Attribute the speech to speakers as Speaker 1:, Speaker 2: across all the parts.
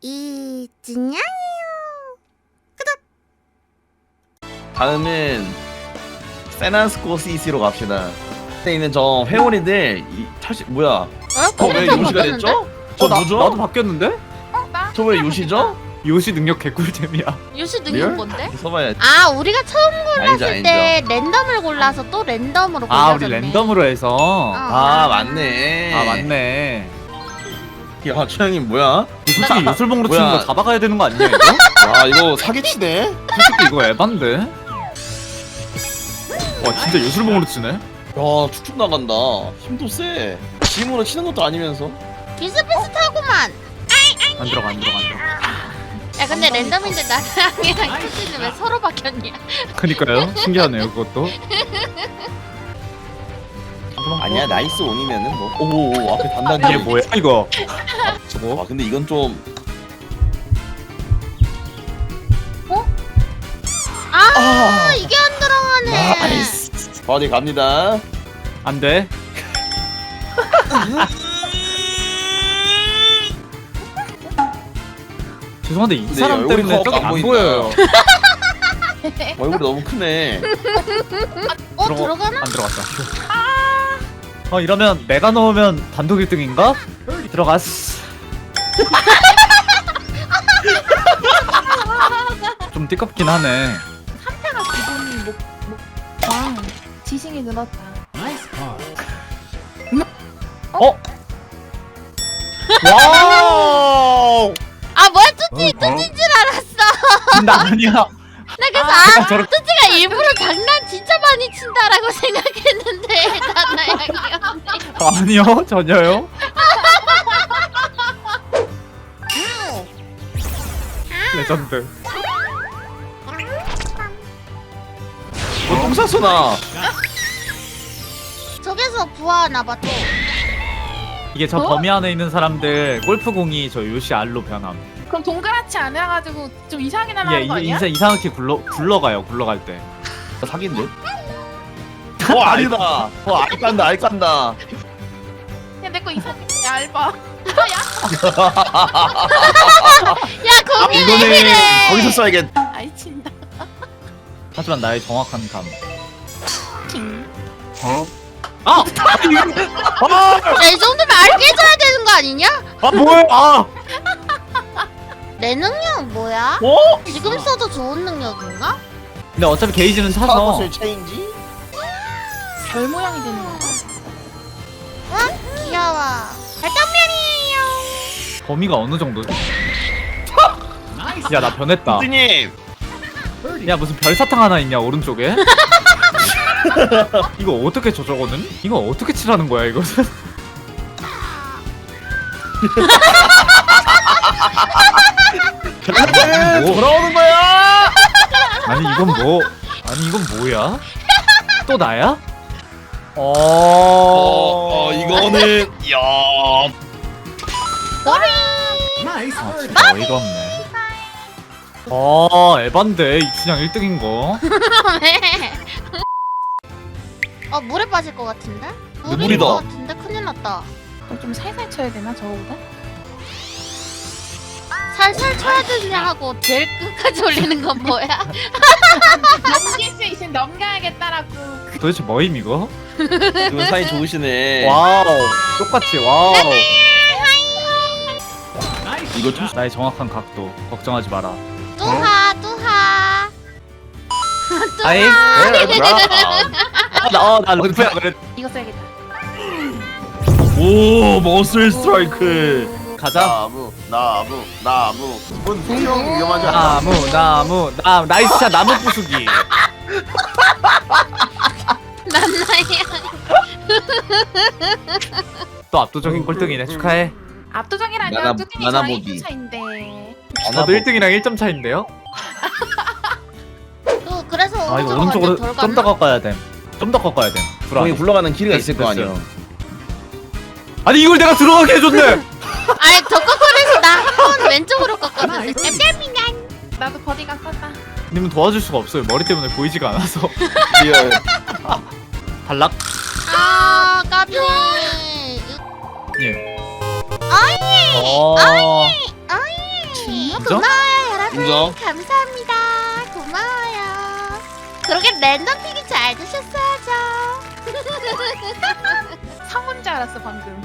Speaker 1: 이진양이요.
Speaker 2: 다음은 세난스코 시티로 갑시다. 에 있는 저 회오리들 뭐야? 왜 요시가 됐죠? 저 누죠?
Speaker 3: 나도 바뀌었는데?
Speaker 2: 저 왜 요시죠?
Speaker 3: 요시 능력 개꿀잼이야.
Speaker 1: 요시 능력
Speaker 2: 리얼?
Speaker 1: 뭔데?
Speaker 2: 써봐야.
Speaker 1: 아 우리가 처음 골랐을
Speaker 2: 아니죠.
Speaker 1: 때 랜덤을 골라서 또 랜덤으로 골라줬네.
Speaker 3: 아 우리 랜덤으로 해서.
Speaker 2: 아 맞네.
Speaker 3: 아 맞네.
Speaker 2: 야 최영님 뭐야?
Speaker 3: 솔직히 요술봉으로 치는
Speaker 2: 뭐야.
Speaker 3: 거 잡아가야 되는 거 아니냐 이거?
Speaker 2: 와 이거 사기치네.
Speaker 3: 솔직히 이거 에반데? 와 진짜 요술봉으로 치네?
Speaker 2: 야 축축 나간다. 힘도 세. 짐으로 치는 것도 아니면서.
Speaker 1: 비슷비슷하구만.
Speaker 3: 안 들어가 안 들어가 안 들어가.
Speaker 1: 야 근데 랜덤인데 나랑이랑 투지는 왜 서로 바뀌었냐?
Speaker 3: 그니까요 신기하네요 그것도.
Speaker 2: 아니야 나이스 온이면은 뭐. 오 앞에 단단히.
Speaker 3: 이게 뭐야 이거? 저거?
Speaker 2: 아 근데 이건 좀.
Speaker 1: 아 이게 안 들어가네.
Speaker 2: 나이스. 어디 갑니다.
Speaker 3: 안 돼. 죄송한데 이 사람
Speaker 2: 얼굴이
Speaker 3: 때문에
Speaker 2: 커
Speaker 3: 저기
Speaker 2: 안
Speaker 3: 안
Speaker 2: 보인다.
Speaker 3: 보여요.
Speaker 2: 얼굴이 너무 크네.
Speaker 1: 들어가나?
Speaker 3: 안 들어갔다. 이러면 내가 넣으면 단독 1등인가? 들어갔어. 좀 띠껍긴 하네.
Speaker 4: 상태가 기분이 왕 지식이 늘었다.
Speaker 3: 와우!
Speaker 1: 아 뭐야 뚜지인 줄 알았어.
Speaker 3: 나 아니야.
Speaker 1: 나 그래서
Speaker 3: 내가 저렇게
Speaker 1: 뚜지가 일부러 장난 진짜 많이 친다라고 생각했는데 나나야 귀엽네.
Speaker 3: 아니요 전혀요. 레전드.
Speaker 2: 똥 쌌어 나.
Speaker 1: 저기서 부화하나 봐 또.
Speaker 3: 이게 저 범위 안에 있는 사람들 골프공이 저 요시 알로 변함.
Speaker 4: 그럼 동그랗지 않아가지고 좀 이상하게
Speaker 3: 이게
Speaker 4: 날아가는 거 아니야?
Speaker 3: 이상하게 굴러가요 때.
Speaker 2: 사기인데? 아니다. 알 깐다 알 깐다.
Speaker 4: 야 내 거 이상해. 얇아.
Speaker 1: 야 거기 왜
Speaker 3: 이거는
Speaker 1: 그래?
Speaker 2: 거기서 써야겠.
Speaker 4: 아이 친다.
Speaker 3: 하지만 나의 정확한 감.
Speaker 2: 아!
Speaker 1: 야이 정도면 알 깨져야 되는 거 아니냐?
Speaker 3: 뭐야?
Speaker 1: 내 능력 뭐야?
Speaker 2: 어?
Speaker 1: 지금 써도 좋은 능력인가?
Speaker 3: 근데 어차피 게이지는 차서
Speaker 2: 파워슬 체인지?
Speaker 4: 별 모양이 되는 거.
Speaker 1: 응? 귀여워. 발정면이에요.
Speaker 3: 범위가 어느 정도지? 야 나 변했다.
Speaker 2: 님
Speaker 3: 야 무슨 별사탕 하나 있냐 오른쪽에? 이거 어떻게 저거는? 이거 어떻게 칠하는 거야 이것은? 뭐?
Speaker 2: 돌아오는 거야.
Speaker 3: 아니 이건 뭐? 아니 이건 뭐야? 또 나야?
Speaker 2: 이거는 야.
Speaker 3: 아 진짜 어이가 없네. 에반데 이춘향 1등인 거.
Speaker 1: 왜? 물에 빠질 것 같은데? 물일
Speaker 2: 물이다.
Speaker 1: 것 같은데 큰일 났다.
Speaker 4: 그럼 좀 살살 쳐야 되나 저거보다?
Speaker 1: 살살 쳐야 되냐 하고 제일 끝까지 올리는 건 뭐야?
Speaker 4: 넘길 수 있으면 넘겨야겠다라고.
Speaker 3: 도대체 뭐임 이거?
Speaker 2: 이분 사이 좋으시네.
Speaker 3: 와우 똑같이 와우.
Speaker 2: 이거 좀
Speaker 3: 나의 정확한 각도 걱정하지 마라.
Speaker 1: 뚜하 뚜하.
Speaker 3: 아이 나 르프야 그래.
Speaker 4: 이거 써야겠다.
Speaker 2: 오 머슬 스트라이크.
Speaker 3: 가자.
Speaker 2: 나무. 이번 수영이 위험하지 않아?
Speaker 3: 나무 나이스 샷 나무 부수기.
Speaker 1: 난나야.
Speaker 3: 또 압도적인 꼴등이네 축하해.
Speaker 4: 압도적이라뇨. 뚜띠니 저랑
Speaker 2: 나나보기.
Speaker 4: 1점 차인데.
Speaker 3: 저도 1등이랑 1점 차인데요?
Speaker 1: 또 그래서
Speaker 3: 아 이거
Speaker 1: 오른쪽으로
Speaker 3: 오른쪽으로
Speaker 1: 덜
Speaker 3: 좀 더
Speaker 1: 갔나?
Speaker 3: 꺾어야 돼. 좀 더 꺾어야 돼.
Speaker 2: 거기 굴러가는 길이가 있을 거
Speaker 3: 됐어요.
Speaker 2: 아니야.
Speaker 3: 아니 이걸 내가 들어가게 해줬네.
Speaker 1: 아니 더 꺾어내서 나 한 번 왼쪽으로 꺾었는데. 냠냠이냥.
Speaker 4: 나도 버디가 컸다.
Speaker 3: 님은 도와줄 수가 없어요. 머리 때문에 보이지가 않아서.
Speaker 2: 리얼.
Speaker 3: 탈락.
Speaker 1: 아 까비.
Speaker 3: 예.
Speaker 1: 아이.
Speaker 3: 어. 인정?
Speaker 1: 고마워요 여러분.
Speaker 2: 인정.
Speaker 1: 감사합니다. 고마워요. 그러게 랜덤 픽이 잘 드셨어야죠.
Speaker 4: 성운 줄 알았어 방금.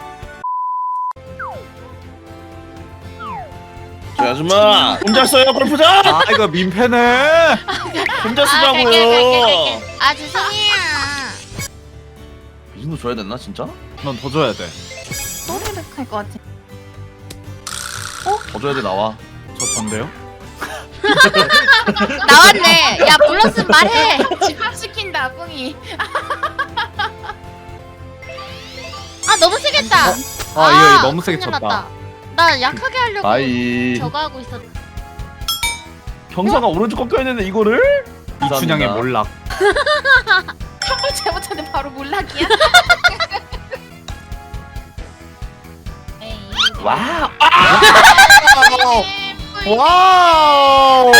Speaker 2: 저 아줌마 혼자 써요 골프장?
Speaker 3: 아 이거 민폐네.
Speaker 2: 혼자
Speaker 1: 갈게.
Speaker 2: 쓰자고요.
Speaker 1: 아 죄송해요.
Speaker 2: 이 정도 줘야 됐나 진짜?
Speaker 3: 넌 더 줘야 돼.
Speaker 4: 소리를 할것 같아.
Speaker 2: 더 줘야 돼 나와.
Speaker 3: 저 전데요?
Speaker 1: 나왔네. 야 불렀으면 말해.
Speaker 4: 집합시킨다 뿡이.
Speaker 1: 아 너무 세겠다.
Speaker 3: 아 이거 너무 세게
Speaker 1: 큰일
Speaker 3: 쳤다.
Speaker 1: 났다. 나 약하게 하려고
Speaker 2: 나이.
Speaker 1: 저거 하고 있었.
Speaker 2: 경사가 오른쪽 꺾여 있는데 이거를?
Speaker 3: 이춘향의
Speaker 2: 감사합니다.
Speaker 3: 몰락.
Speaker 4: 한번 잘못하면 바로 몰락이야. 에이.
Speaker 2: 와우.
Speaker 4: 뿔.
Speaker 3: 와우.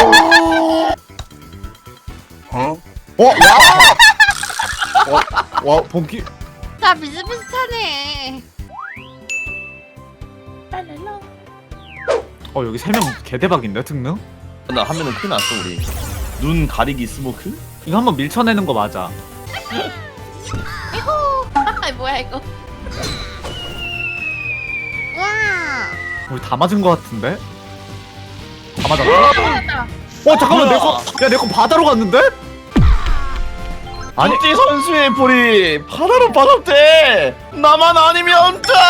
Speaker 3: 와 본기.
Speaker 1: 다 비슷비슷하네.
Speaker 4: 랄랄라.
Speaker 3: 여기 3명 개대박인데 특능?
Speaker 2: 나 한 명은 큰일 났어 우리. 눈 가리기 스모크?
Speaker 3: 이거 한번 밀쳐내는 거 맞아.
Speaker 4: 아 뭐야 이거.
Speaker 1: 와.
Speaker 3: 우리 다 맞은 거 같은데? 다 맞았어?
Speaker 4: 맞았다.
Speaker 3: 잠깐만 내 거 바다로 갔는데? 아니
Speaker 2: 아니 선수의 볼이 바다로 빠졌대. 나만 아니면 돼.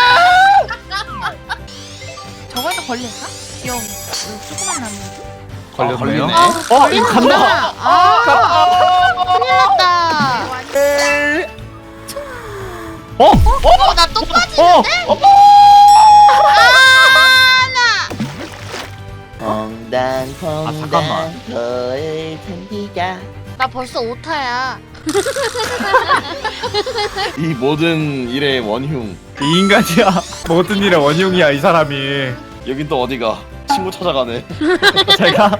Speaker 4: 저거에도 걸릴까? 귀여운 조그만 나무.
Speaker 3: 걸렸네요.
Speaker 2: 걸리네.
Speaker 3: 이거 간다.
Speaker 1: 큰일 났다. 나 또 빠지는데?
Speaker 2: 퐁당퐁당
Speaker 3: 잠깐만.
Speaker 2: 너의 텐디가
Speaker 1: 나 벌써 오타야.
Speaker 2: 이 모든 일의 원흉.
Speaker 3: 이 인간이야. 모든 일의 원흉이야 이 사람이.
Speaker 2: 여긴 또 어디가? 친구 찾아가네.
Speaker 3: 제가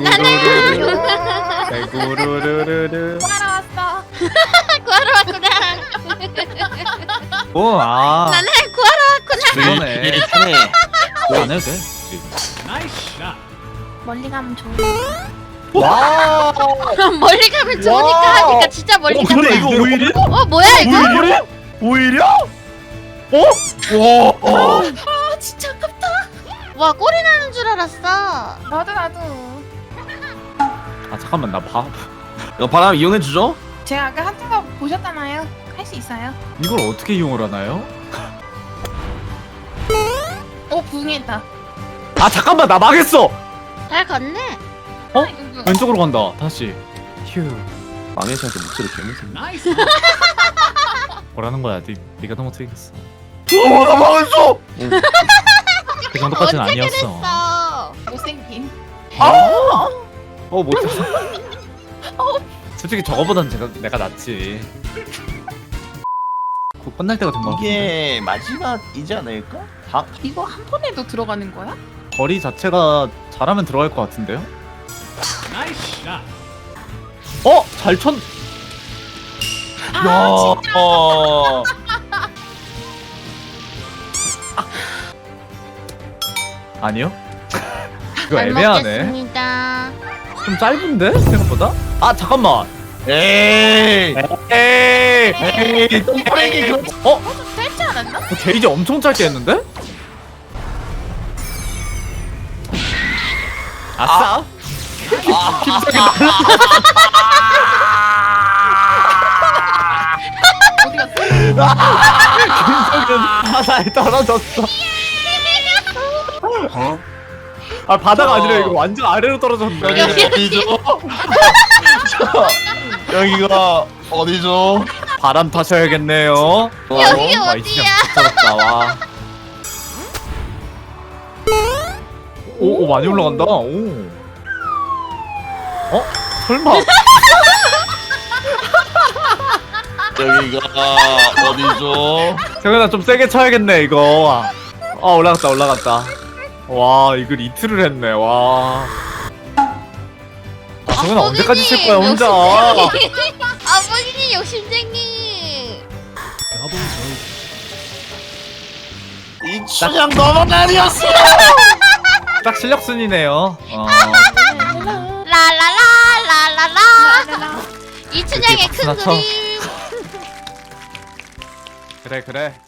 Speaker 3: 구루루루루
Speaker 4: 구하러 왔어.
Speaker 1: 구하러 왔구나. 나는 구하러 왔구나.
Speaker 3: 그러네.
Speaker 2: 타네.
Speaker 3: 안 해도 돼.
Speaker 4: 멀리 가면 좋아.
Speaker 3: 와.
Speaker 1: 멀리 가면 좋으니까
Speaker 3: 와.
Speaker 1: 하니까 진짜 멀리 가면.
Speaker 2: 근데 이거 오일이야?
Speaker 1: 뭐야 이거?
Speaker 2: 오일이야? 오일이야? 와.
Speaker 4: 아 진짜 아깝다.
Speaker 1: 와 꼬리 나는 줄 알았어.
Speaker 4: 나도.
Speaker 3: 아 잠깐만 나 봐.
Speaker 2: 이거 바람 이용해 주죠?
Speaker 4: 제가 아까 하던 거 보셨잖아요. 할 수 있어요.
Speaker 3: 이걸 어떻게 이용을 하나요?
Speaker 4: 오 부응했다.
Speaker 3: 아 잠깐만 나 망했어.
Speaker 1: 잘 걷네.
Speaker 3: 왼쪽으로 간다. 다시. 휴.
Speaker 2: 망해서한테 목소리 개무슨.
Speaker 3: 뭐라는 거야? 네가 너무 틀렸어.
Speaker 2: 나 망했어.
Speaker 3: 그 정도까지는
Speaker 1: 언제
Speaker 3: 아니었어.
Speaker 1: 그랬어?
Speaker 4: 못생김.
Speaker 3: 못했어. 솔직히 저거보단 내가 낫지. 곧 끝날 때가 된 거 같아.
Speaker 2: 이게 마지막이지 않을까?
Speaker 4: 이거 한 번에도 들어가는 거야?
Speaker 3: 거리 자체가 잘하면 들어갈 것 같은데요? 잘 쳤.
Speaker 2: 야.
Speaker 3: 아니요? 이거
Speaker 1: 잘
Speaker 3: 애매하네.
Speaker 1: 먹겠습니다.
Speaker 3: 좀 짧은데 생각보다? 아 잠깐만.
Speaker 2: 에이.
Speaker 3: 에이.
Speaker 2: 똥파랭이 그런.
Speaker 4: 짧지 않았나?
Speaker 3: 게이지 엄청 짧게 했는데? 아싸.
Speaker 4: 어디 갔어?
Speaker 3: 김석은 바다에 떨어졌어. 아 바다가 아니라 이거 완전 아래로 떨어졌네.
Speaker 2: 여기가 어디죠? 여기가 어디죠?
Speaker 3: 바람 타셔야겠네요.
Speaker 1: 여기
Speaker 3: 와, 이
Speaker 1: 어디야?
Speaker 3: 진짜 미쳤다 와. 오 많이 올라간다. 오. 설마?
Speaker 2: 여기가 어디죠?
Speaker 3: 정현아 좀 세게 쳐야겠네 이거. 올라갔다. 와 이걸 이틀을 했네 와. 정현아 언제까지 칠 거야 혼자?
Speaker 1: 아버님 욕심쟁이.
Speaker 2: 이 춘향 너만 아니었어.
Speaker 3: 딱 실력 순이네요.
Speaker 1: 라라라라라라.
Speaker 3: 그게
Speaker 1: 이춘향의 큰
Speaker 3: 박수나 쳐.
Speaker 1: 그림.
Speaker 3: 그래.